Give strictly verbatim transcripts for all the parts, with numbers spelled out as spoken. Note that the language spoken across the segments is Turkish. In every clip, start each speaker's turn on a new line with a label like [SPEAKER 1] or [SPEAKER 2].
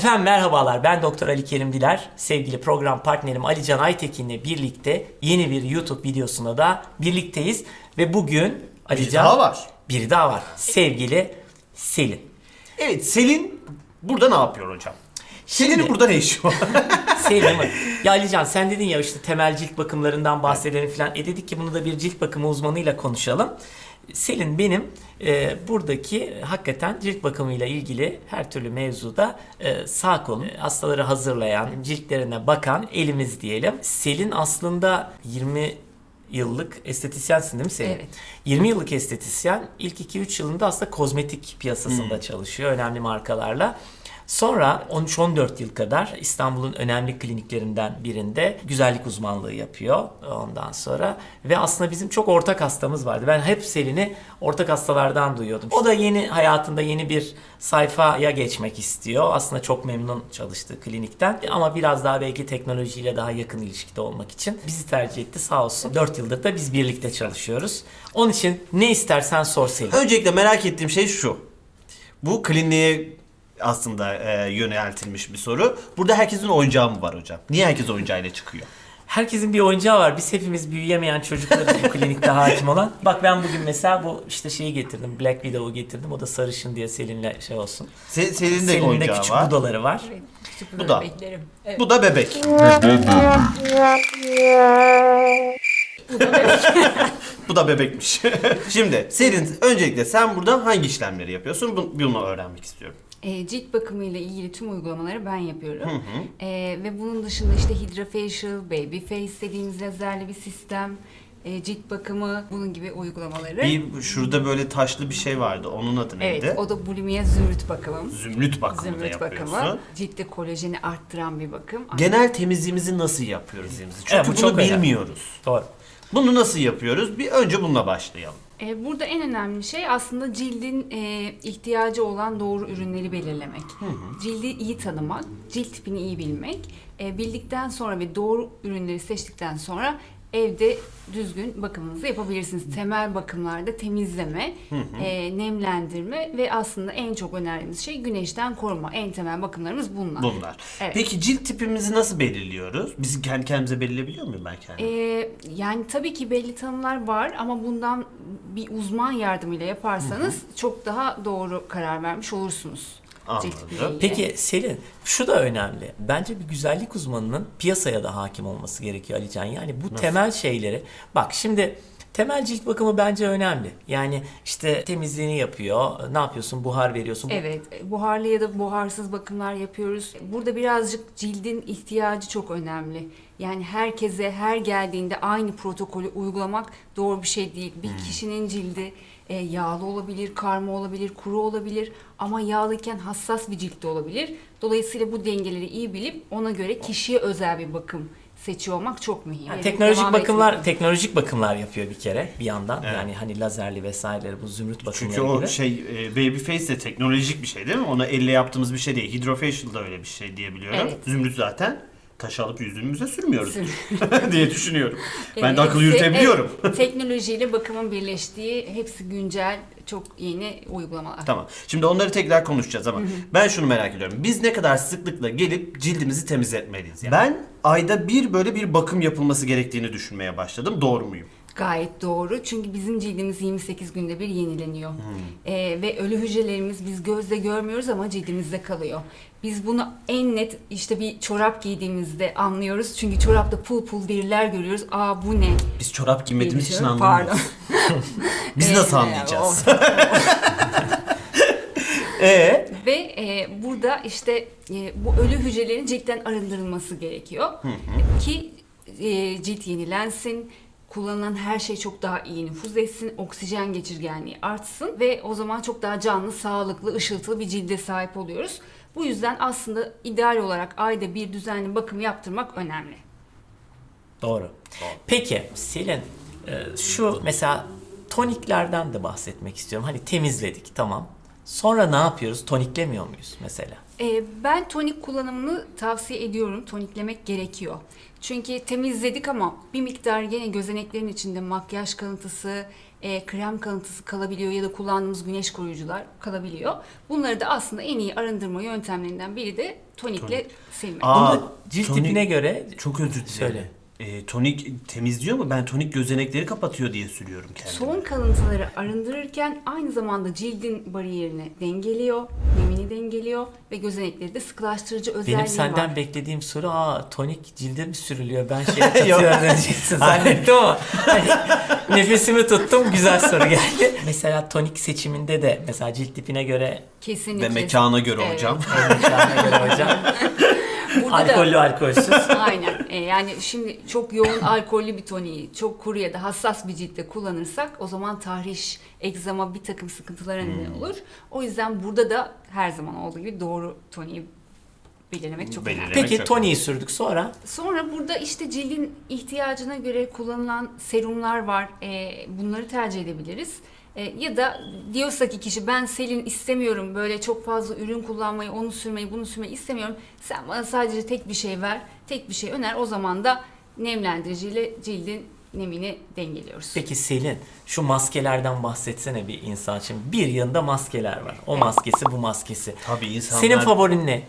[SPEAKER 1] Efendim merhabalar, ben Doktor Ali Kerim Diler. Sevgili program partnerim Ali Can Aytekin'le birlikte yeni bir YouTube videosunda da birlikteyiz. Ve bugün Ali
[SPEAKER 2] Bir
[SPEAKER 1] Can...
[SPEAKER 2] daha var.
[SPEAKER 1] Biri daha var. Sevgili Selin.
[SPEAKER 2] Evet, Selin burada ne yapıyor hocam? Selin'in
[SPEAKER 1] Şimdi-
[SPEAKER 2] burada ne işi var?
[SPEAKER 1] Selin mi? Ya Ali Can, sen dedin ya işte temel cilt bakımlarından bahsedelim falan. E dedik ki bunu da bir cilt bakımı uzmanıyla konuşalım. Selin benim e, buradaki hakikaten cilt bakımıyla ilgili her türlü mevzuda e, sağ kolum. E, hastaları hazırlayan, ciltlerine bakan elimiz diyelim. Selin aslında yirmi yıllık estetisyensin değil mi Selin?
[SPEAKER 3] Evet.
[SPEAKER 1] yirmi yıllık estetisyen, ilk iki üç yılında aslında kozmetik piyasasında
[SPEAKER 2] Hmm.
[SPEAKER 1] çalışıyor önemli markalarla. Sonra on üç on dört yıl kadar İstanbul'un önemli kliniklerinden birinde güzellik uzmanlığı yapıyor ondan sonra. Ve aslında bizim çok ortak hastamız vardı. Ben hep Selin'i ortak hastalardan duyuyordum. O da yeni hayatında yeni bir sayfaya geçmek istiyor. Aslında çok memnun çalıştığı klinikten ama biraz daha belki teknolojiyle daha yakın ilişkide olmak için bizi tercih etti sağ olsun. dört yıldır da biz birlikte çalışıyoruz. Onun için ne istersen sor Selin.
[SPEAKER 2] Öncelikle merak ettiğim şey şu. Bu kliniğe aslında e, yöneltilmiş bir soru. Burada herkesin oyuncağı mı var hocam? Niye herkes oyuncağıyla çıkıyor?
[SPEAKER 1] Herkesin bir oyuncağı var. Biz hepimiz büyüyemeyen çocuklarız bu klinikte hakim olan. Bak ben bugün mesela bu işte şeyi getirdim. Black Widow'u getirdim. O da sarışın diye Selin'le şey olsun.
[SPEAKER 2] Se- Selin'in de
[SPEAKER 1] Selin'in de
[SPEAKER 2] oyuncağı
[SPEAKER 1] küçük
[SPEAKER 2] var.
[SPEAKER 1] budaları var.
[SPEAKER 3] Evet, küçük
[SPEAKER 2] Bu
[SPEAKER 3] bu
[SPEAKER 2] da.
[SPEAKER 3] bebeklerim. Evet.
[SPEAKER 2] Bu da bebek. Bu da bebekmiş. Şimdi Selin, öncelikle sen burada hangi işlemleri yapıyorsun? Bunu, bunu öğrenmek istiyorum.
[SPEAKER 3] E, cilt bakımı ile ilgili tüm uygulamaları ben yapıyorum. E, ve bunun dışında işte Hydrafacial, Baby Face dediğimiz lazerli bir sistem, e, cilt bakımı, bunun gibi uygulamaları.
[SPEAKER 2] Bir şurada böyle taşlı bir şey vardı. Onun adı neydi?
[SPEAKER 3] Evet, o da bulimia zümrüt bakımım.
[SPEAKER 2] Zümrüt bakımı da
[SPEAKER 3] Zümrüt
[SPEAKER 2] yapıyorsun.
[SPEAKER 3] bakımı. Ciltte kolajeni arttıran bir bakım.
[SPEAKER 2] Genel temizliğimizi nasıl yapıyoruz dilimizi? Çünkü
[SPEAKER 1] Evet, bu
[SPEAKER 2] bunu
[SPEAKER 1] çok önemli.
[SPEAKER 2] bilmiyoruz.
[SPEAKER 1] Doğru.
[SPEAKER 2] Bunu nasıl yapıyoruz? Bir önce bununla başlayalım.
[SPEAKER 3] E, burada en önemli şey aslında cildin e, ihtiyacı olan doğru ürünleri belirlemek. Cildi iyi tanımak, cilt tipini iyi bilmek. E, bildikten sonra ve doğru ürünleri seçtikten sonra evde düzgün bakımınızı yapabilirsiniz. Temel bakımlarda temizleme, e, nemlendirme ve aslında en çok önerdiğimiz şey güneşten koruma. En temel bakımlarımız bunlar.
[SPEAKER 2] Bunlar.
[SPEAKER 3] Evet.
[SPEAKER 2] Peki cilt tipimizi nasıl belirliyoruz? Biz kendi kendimize belirleyebiliyor muyum ben kendimi?
[SPEAKER 3] Ee, yani tabii ki belli tanımlar var ama bundan bir uzman yardımıyla yaparsanız çok daha doğru karar vermiş olursunuz.
[SPEAKER 2] Anladım.
[SPEAKER 3] Cilt tipiyle ilgili.
[SPEAKER 1] Peki Selin, şu da önemli. Bence bir güzellik uzmanının piyasaya da hakim olması gerekiyor Ali Can. Yani bu temel şeyleri. Bak şimdi temel cilt bakımı bence önemli. Yani işte temizliğini yapıyor. Ne yapıyorsun? Buhar veriyorsun. Bu-
[SPEAKER 3] Evet, buharlı ya da buharsız bakımlar yapıyoruz. Burada birazcık cildin ihtiyacı çok önemli. Yani herkese her geldiğinde aynı protokolü uygulamak doğru bir şey değil. Bir kişinin cildi e, yağlı olabilir, karma olabilir, kuru olabilir ama yağlıyken hassas bir ciltte olabilir. Dolayısıyla bu dengeleri iyi bilip ona göre kişiye özel bir bakım seçiyor olmak çok mühim.
[SPEAKER 1] Yani
[SPEAKER 3] Yani
[SPEAKER 1] teknolojik
[SPEAKER 3] devam
[SPEAKER 1] bakımlar,
[SPEAKER 3] etmek.
[SPEAKER 1] teknolojik bakımlar yapıyor bir kere bir yandan.
[SPEAKER 2] Evet.
[SPEAKER 1] Yani hani lazerli vesaireleri bu zümrüt bakımları
[SPEAKER 2] Çünkü o
[SPEAKER 1] gibi.
[SPEAKER 2] şey e, baby face de teknolojik bir şey değil mi? Ona elle yaptığımız bir şey değil. Hydrofacial da öyle bir şey diyebiliyorum.
[SPEAKER 3] Evet.
[SPEAKER 2] Zümrüt zaten taş alıp yüzümüze sürmüyoruz
[SPEAKER 3] Sür-
[SPEAKER 2] diye düşünüyorum. Ben
[SPEAKER 3] Evet,
[SPEAKER 2] de akıl
[SPEAKER 3] te-
[SPEAKER 2] yürütebiliyorum.
[SPEAKER 3] evet, teknolojiyle bakımın birleştiği hepsi güncel çok yeni uygulamalar.
[SPEAKER 2] Tamam. Şimdi onları tekrar konuşacağız ama ben şunu merak ediyorum. Biz ne kadar sıklıkla gelip cildimizi temizletmeliyiz? Yani ben ayda bir böyle bir bakım yapılması gerektiğini düşünmeye başladım. Doğru muyum?
[SPEAKER 3] Gayet doğru. Çünkü bizim cildimiz yirmi sekiz günde bir yenileniyor. Ee, ve ölü hücrelerimiz biz gözle görmüyoruz ama cildimizde kalıyor. Biz bunu en net işte bir çorap giydiğimizde anlıyoruz. Çünkü çorapta pul pul deriler görüyoruz. Aa bu ne?
[SPEAKER 2] Biz çorap giymediğimiz için
[SPEAKER 3] Diye
[SPEAKER 2] anlamıyoruz.
[SPEAKER 3] Pardon.
[SPEAKER 2] Biz
[SPEAKER 3] Ee,
[SPEAKER 2] nasıl
[SPEAKER 3] o-
[SPEAKER 2] anlayacağız? Ee?
[SPEAKER 3] Ve e, burada işte e, bu ölü hücrelerin ciltten arındırılması gerekiyor. Ki e, cilt yenilensin, kullanılan her şey çok daha iyi nüfuz etsin, oksijen geçirgenliği artsın ve o zaman çok daha canlı, sağlıklı, ışıltılı bir cilde sahip oluyoruz. Bu yüzden aslında ideal olarak ayda bir düzenli bakım yaptırmak önemli.
[SPEAKER 1] Doğru. Peki Selin, e, şu mesela toniklerden de bahsetmek istiyorum. Hani temizledik tamam. Sonra ne yapıyoruz? Toniklemiyor muyuz mesela?
[SPEAKER 3] Ee, ben tonik kullanımını tavsiye ediyorum. Toniklemek gerekiyor. Çünkü temizledik ama bir miktar gene gözeneklerin içinde makyaj kalıntısı, e, krem kalıntısı kalabiliyor ya da kullandığımız güneş koruyucular kalabiliyor. Bunları da aslında en iyi arındırma yöntemlerinden biri de tonikle
[SPEAKER 2] Tonik.
[SPEAKER 3] silmek.
[SPEAKER 2] Aa,
[SPEAKER 1] Bunu cilt
[SPEAKER 2] tonik-
[SPEAKER 1] tipine göre
[SPEAKER 2] Çok özür dilerim.
[SPEAKER 1] Söyle.
[SPEAKER 2] Ee, tonik temizliyor mu? Ben tonik gözenekleri kapatıyor diye sürüyorum kendime.
[SPEAKER 3] Son kalıntıları arındırırken aynı zamanda cildin bariyerini dengeliyor, nemini dengeliyor ve gözenekleri de sıkılaştırıcı özelliği
[SPEAKER 1] benim senden
[SPEAKER 3] var.
[SPEAKER 1] beklediğim soru aa tonik cilde mi sürülüyor? Ben şeye katıyorum diyeceksin zannettim ama hani, nefesimi tuttum, güzel soru geldi. Mesela tonik seçiminde de mesela cilt tipine göre
[SPEAKER 3] Kesinlikle.
[SPEAKER 2] Ve mekana göre
[SPEAKER 3] Evet.
[SPEAKER 2] hocam.
[SPEAKER 1] mekana göre hocam
[SPEAKER 3] Burada da-
[SPEAKER 1] alkollü alkolsüz.
[SPEAKER 3] Aynen. E, yani şimdi çok yoğun alkollü bir toniği çok kuru ya da hassas bir ciltte kullanırsak o zaman tahriş, egzama bir takım sıkıntılara neden olur. O yüzden burada da her zaman olduğu gibi doğru toniği belirlemek çok önemli.
[SPEAKER 2] Belirlemek
[SPEAKER 1] Peki
[SPEAKER 2] çok
[SPEAKER 1] toniği sürdük sonra
[SPEAKER 3] Sonra burada işte cildin ihtiyacına göre kullanılan serumlar var. E, bunları tercih edebiliriz. E, ya da diyorsa ki kişi ben Selin istemiyorum böyle çok fazla ürün kullanmayı, onu sürmeyi, bunu sürmeyi istemiyorum. Sen bana sadece tek bir şey ver, tek bir şey öner. O zaman da nemlendiriciyle cildin nemini dengeliyoruz.
[SPEAKER 1] peki Selin şu maskelerden bahsetsene bir insan için. Bir yanında maskeler var. O maskesi bu maskesi.
[SPEAKER 2] Tabii insanlar...
[SPEAKER 1] Senin favorin ne?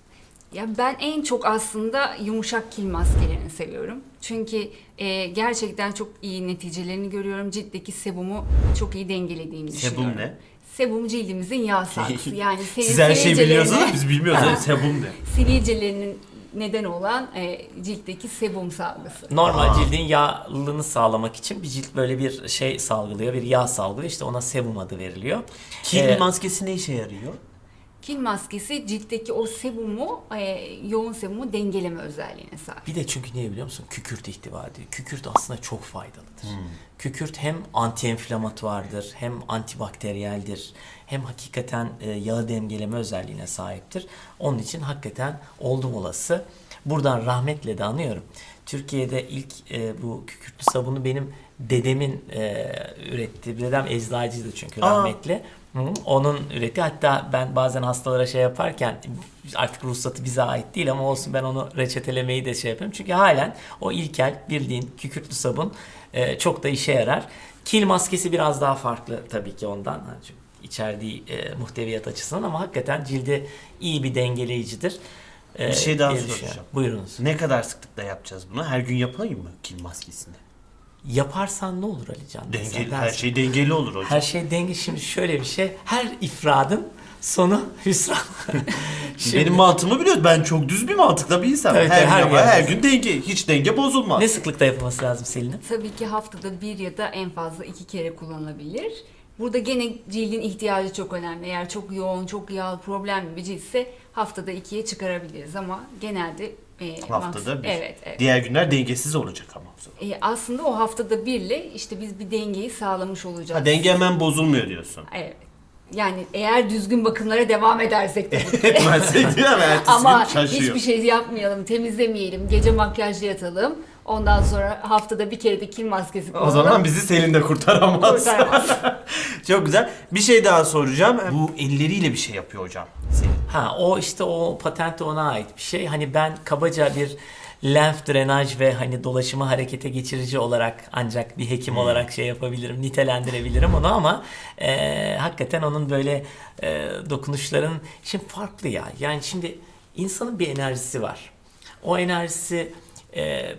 [SPEAKER 3] Ya ben en çok aslında yumuşak kil maskelerini seviyorum. Çünkü e, gerçekten çok iyi neticelerini görüyorum. Ciltteki sebumu çok iyi dengelediğini düşünüyorum.
[SPEAKER 2] Sebum ne?
[SPEAKER 3] Sebum cildimizin yağ salgısı. Yani senin
[SPEAKER 2] Siz her şeyi
[SPEAKER 3] sivilcelerine-
[SPEAKER 2] biliyorsunuz ama biz bilmiyoruz. Yani sebum ne?
[SPEAKER 3] sivilcelerinin neden olan e, ciltteki sebum salgısı.
[SPEAKER 1] Normal
[SPEAKER 2] Aa.
[SPEAKER 1] cildin yağlılığını sağlamak için bir cilt böyle bir şey salgılıyor, bir yağ salgılıyor. İşte ona sebum adı veriliyor.
[SPEAKER 2] Kil
[SPEAKER 1] Ee,
[SPEAKER 2] maskesi ne işe yarıyor?
[SPEAKER 3] Kil maskesi ciltteki o sebumu, e, yoğun sebumu dengeleme özelliğine sahip.
[SPEAKER 1] Bir de çünkü niye biliyor musun? Kükürt ihtiva ediyor. Kükürt aslında çok faydalıdır. Kükürt hem anti-enflamatuardır, hem antibakteriyeldir, hem hakikaten e, yağı dengeleme özelliğine sahiptir. Onun için hakikaten oldum olası. Buradan rahmetle de anıyorum. Türkiye'de ilk e, bu kükürtlü sabunu benim dedemin e, ürettiği, dedem eczacıydı çünkü
[SPEAKER 2] Aa.
[SPEAKER 1] rahmetli. Hı, onun ürettiği, hatta ben bazen hastalara şey yaparken artık ruhsatı bize ait değil ama olsun ben onu reçetelemeyi de şey yapıyorum. Çünkü halen o ilkel bildiğin kükürtlü sabun e, çok da işe yarar. Kil maskesi biraz daha farklı tabii ki ondan. Yani çünkü içerdiği e, muhteviyat açısından ama hakikaten cilde iyi bir dengeleyicidir. E,
[SPEAKER 2] Bir şey daha
[SPEAKER 1] diye
[SPEAKER 2] soracağım.
[SPEAKER 1] düşünüyorum. Buyurunuz.
[SPEAKER 2] Ne kadar sıklıkla yapacağız bunu? Her gün yapayım mı kil maskesini?
[SPEAKER 1] Yaparsan ne olur Alican? Sen
[SPEAKER 2] Dengeli, her
[SPEAKER 1] dersin.
[SPEAKER 2] şey dengeli olur hocam.
[SPEAKER 1] Her şey denge. Şimdi şöyle bir şey. Her ifradın sonu hüsran. Şimdi
[SPEAKER 2] Benim mantığımı biliyorsun. Ben çok düz bir mantıkla bir insanım.
[SPEAKER 1] Evet,
[SPEAKER 2] her,
[SPEAKER 1] her
[SPEAKER 2] gün,
[SPEAKER 1] gün
[SPEAKER 2] ama her
[SPEAKER 1] yaparsın.
[SPEAKER 2] gün denge. Hiç denge bozulmaz.
[SPEAKER 1] ne sıklıkta yapılması lazım Selin'im?
[SPEAKER 3] Tabii ki haftada bir ya da en fazla iki kere kullanılabilir. Burada gene cildin ihtiyacı çok önemli. Eğer çok yoğun, çok yağlı, problemli bir ciltse haftada ikiye çıkarabiliriz ama genelde e,
[SPEAKER 2] Haftada
[SPEAKER 3] maks-
[SPEAKER 2] bir.
[SPEAKER 3] Evet, evet.
[SPEAKER 2] Diğer günler dengesiz olacak ama. o zaman.
[SPEAKER 3] E, aslında o haftada birle işte biz bir dengeyi sağlamış olacağız.
[SPEAKER 2] Ha, denge hemen bozulmuyor diyorsun.
[SPEAKER 3] Evet. Yani eğer düzgün bakımlara devam edersek tabii ki.
[SPEAKER 2] Etmezsek değil mi? Ertesi
[SPEAKER 3] Ama
[SPEAKER 2] gün şaşıyor.
[SPEAKER 3] hiçbir şey yapmayalım, temizlemeyelim, gece makyajlı yatalım. Ondan sonra haftada bir kere de kil maskesi
[SPEAKER 2] O
[SPEAKER 3] kullanalım.
[SPEAKER 2] zaman bizi Selin de kurtaramaz.
[SPEAKER 3] Kurtaramaz.
[SPEAKER 2] Çok güzel. Bir şey daha soracağım. Bu elleriyle bir şey yapıyor hocam. Selin.
[SPEAKER 1] Ha o işte o patent ona ait bir şey. Hani ben kabaca bir lenf drenaj ve hani dolaşımı harekete geçirici olarak ancak bir hekim olarak şey yapabilirim, nitelendirebilirim onu ama e, hakikaten onun böyle e, dokunuşların şimdi farklı ya. Yani şimdi insanın bir enerjisi var. O enerjisi e,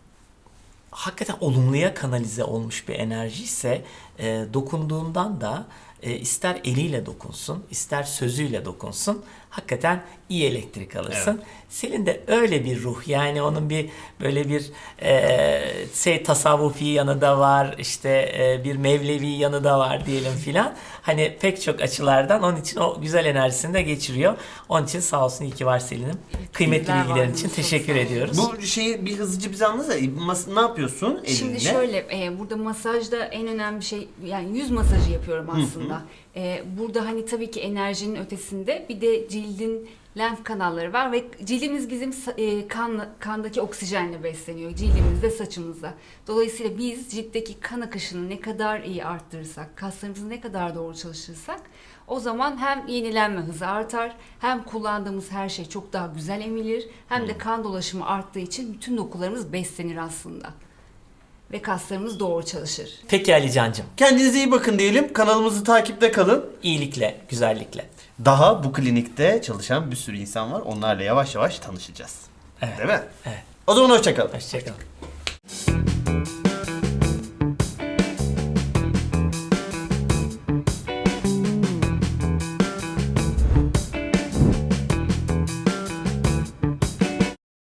[SPEAKER 1] hakikaten olumluya kanalize olmuş bir enerji ise e, dokunduğundan da e, ister eliyle dokunsun, ister sözüyle dokunsun, hakikaten iyi elektrik alırsın. Selin de öyle bir ruh, yani onun bir böyle bir e, şey tasavvufi yanı da var, işte e, bir mevlevi yanı da var diyelim filan. Hani pek çok açılardan onun için o güzel enerjisini de geçiriyor. Onun için sağ olsun, iyi ki var Selin'im. Kıymetli
[SPEAKER 3] Bizler
[SPEAKER 1] bilgilerin
[SPEAKER 3] vardınız,
[SPEAKER 1] için
[SPEAKER 3] çok
[SPEAKER 1] teşekkür
[SPEAKER 3] sağ olun.
[SPEAKER 1] ediyoruz.
[SPEAKER 2] Bu şeyi bir hızlıca bize anlatsana. Mas- Ne yapıyorsun elinle?
[SPEAKER 3] Şimdi şöyle, e, burada masajda en önemli şey, yani yüz masajı yapıyorum aslında. E, burada hani tabii ki enerjinin ötesinde bir de cildin lenf kanalları var ve cildimiz bizim e, kan, kandaki oksijenle besleniyor. Cildimizde, saçımızda. Dolayısıyla biz ciltteki kan akışını ne kadar iyi arttırırsak, kaslarımızı ne kadar doğru çalışırsak O zaman hem yenilenme hızı artar, hem kullandığımız her şey çok daha güzel emilir, hem de kan dolaşımı arttığı için bütün dokularımız beslenir aslında. Ve kaslarımız doğru çalışır.
[SPEAKER 1] Peki Ali Can'cığım,
[SPEAKER 2] Kendinize iyi bakın diyelim. Kanalımızı takipte kalın.
[SPEAKER 1] iyilikle, güzellikle.
[SPEAKER 2] Daha bu klinikte çalışan bir sürü insan var. Onlarla yavaş yavaş tanışacağız.
[SPEAKER 1] Evet.
[SPEAKER 2] Değil mi?
[SPEAKER 1] Evet.
[SPEAKER 2] O zaman hoşça kalın.
[SPEAKER 1] Hoşçakalın.